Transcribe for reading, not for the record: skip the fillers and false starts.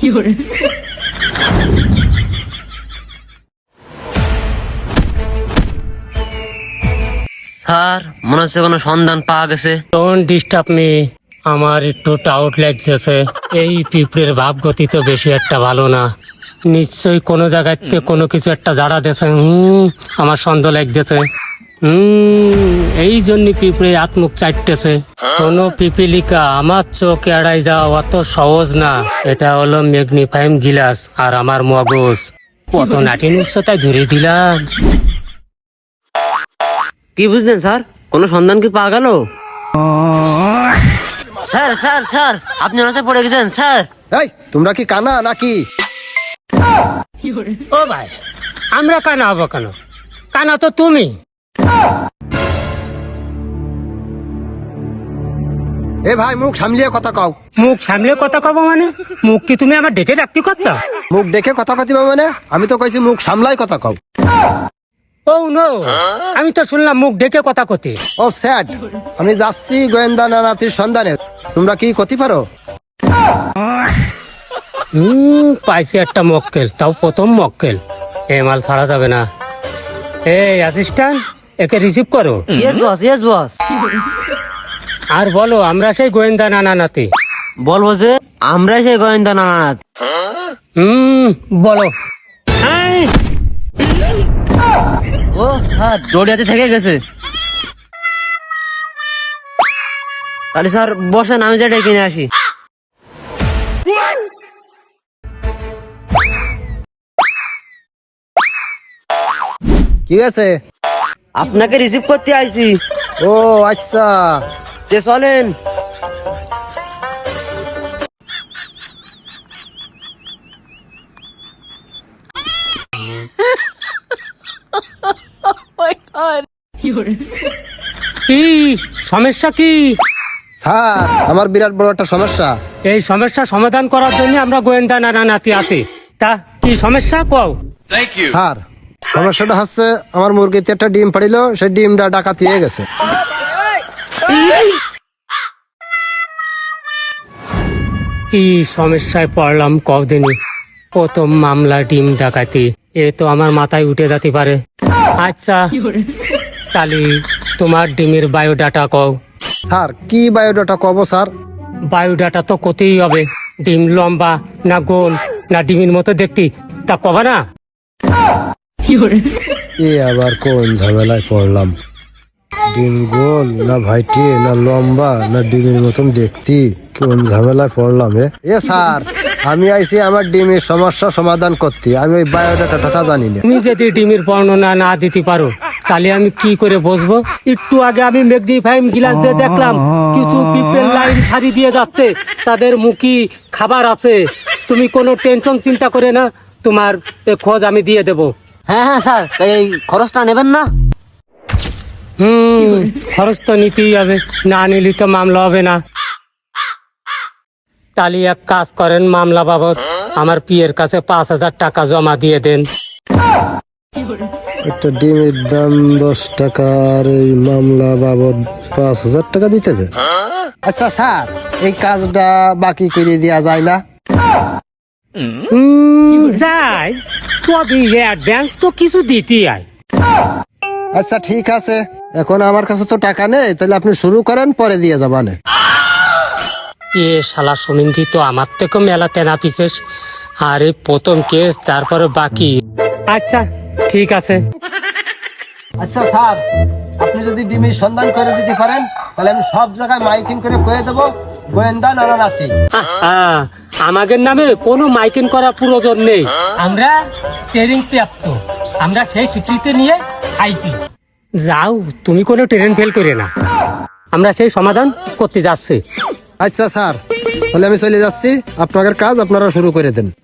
Sir মনে হচ্ছে কোনো সন্ধান পাওয়া গেছে। ডোন্ট ডিস্টার্ব মি, আমার একটু টাউট লাগতেছে। এই পিঁপড়ের ভাবগতি তো বেশি একটা ভালো না, নিশ্চয়ই কোনো জায়গাতে কোনো কিছু একটা জাড়া দিয়েছে। আমার সন্দেহ লাগতেছে। এই জন্য পিঁপড়ে আত্মুখ চাটতেছে। শোনো পিপিলিকা, আমার চোখ এড়াই যাওয়া অত সহজ না। এটা হলো ম্যাগনিফাইং গ্লাস আর আমার মগজ। কত নাটিন উচ্চতায় ধরে দিলাম। কি বুঝলেন স্যার, কোনো সন্ধান কি পাওয়া গেল? স্যার স্যার স্যার আপনি ওনার পড়ে গেছেন স্যার। এই তোমরা কি কানা নাকি? ও ভাই, আমরা কানা হবো কেন? কানা তো তুমি। এ ভাই মুখ সামলিয়ে কথা কও। মুখ সামলে কথা কব মানে? মুখ কি তুমি আমার ডেকে রাখতে করছো? মুখ দেখে কথা কতিবা মানে? আমি তো কইছি মুখ সামলাই কথা কও। ও নো, আমি তো শুনলাম মুখ ডেকে কথা কতি। ও স্যাড, আমি যাচ্ছি গোয়েন্দা নানাতির সন্ধানে। তোমরা কি কতি পারো? পাইছি একটা মক্কেল, তাও প্রথম মক্কেল। এ মাল ছাড়া যাবে না। এই অ্যাসিস্ট্যান্ট, একে রিসিভ করো। Yes boss, yes boss. আর বলো আমরা সেই গোয়েন্দা নানা নাতি। বলবো যে আমরা সেই গোয়েন্দা নানানাথ। বলো। ও স্যার জড়িয়াতে থেকে গেছে। তাহলে স্যার বসেন, আমি যেটা কিনে আসি। কি আছে? আপনাকে রিসিভ করতে আইছি। ও আচ্ছা, তে চলেন। কি সমস্যা কি? স্যার আমার বিরাট বড় একটা সমস্যা। এই সমস্যা সমাধান করার জন্য আমরা গোয়েন্দা নানা নাতি আছি। তা কি সমস্যা কও? স্যার সমস্যাটা হচ্ছে আমার মুরগিতে একটা ডিম পড়িল, সেই ডিমটা ডাকাতি হয়ে গেছে। কি সমস্যায় পড়লাম কদিনই। প্রথম মামলা ডিম ডাকাতি, এ তো আমার মাথায় উঠে যেতে পারে। আচ্ছা তাহলে তোমার ডিমের বায়োডাটা কও। স্যার কি বায়োডাটা কব স্যার? বায়োডাটা তো কতেই হবে। ডিম লম্বা না গোল না ডিমের মতো দেখতে, তা কবা না? এ আবার কোন ঝামেলায় পড়লাম? ডিম গোল না ভাইটি না লম্বা না ডিমের মতন দেখতি, কোন ঝামেলায় পড়লাম? এ স্যার আমি আইছি আমার ডিমের সমস্যা সমাধান করতে, আমি ওই বায়োডাটা জানি না। তুমি যদি ডিমের বর্ণনা না দিতে পারো তাহলে আমি কি করে বুঝবো? একটু আগে আমি ম্যাগনিফাইং গ্লাস দিয়ে দেখলাম কিছু পিপল লাইন ছাড়ি দিয়ে যাচ্ছে, তাদের মুখে খাবার আছে। তুমি কোনো টেনশন চিন্তা করে না, তোমার খোঁজ আমি দিয়ে দেব। হ্যাঁ হ্যাঁ স্যার, এই খরচটা নেবেন না? খরচ তো নিতেই হবে, না নিলে তো মামলা হবে না। তাহলে এক কাজ করেন, মামলা বাবদ আমার পিয়ের কাছে 5,000 টাকা জমা দিয়ে দেন। একটা ডিমের দাম 10 টাকা আর এই মামলা বাবদ 5,000 টাকা দিতে হবে। আচ্ছা স্যার এই কাজটা বাকি করে দেওয়া যায় না? যাই, তবে অ্যাডভান্স তো কিছু দিতেই হয়। আচ্ছা ঠিক আছে, এখন আমার কাছে তো টাকা নেই, তাহলে আপনি শুরু করেন, পরে দিয়ে যাবানে। এ শালা সুমিন্দি তো আমার থেকে মেলা তেনা পিছিস। আরে প্রথম কেস, তারপরে বাকি। আচ্ছা ঠিক আছে। আচ্ছা স্যার আপনি যদি ডিমের সন্ধান করে দিতে পারেন তাহলে আমি সব জায়গায় মাইকিং করে কয়ে দেবো গোয়েন্দা নানা নাতি। আমাদের নামে কোনো মাইকিং করা প্রয়োজন নেই, আমরা ট্রেনিং প্রাপ্ত, আমরা সেই স্বীকৃতি নিয়ে আইছি। যাও, তুমি কোনো ট্রেন ফেল করে না, আমরা সেই সমাধান করতে যাচ্ছি। আচ্ছা স্যার তাহলে আমি চলে যাচ্ছি, আপনাদের কাজ আপনারা শুরু করে দেন।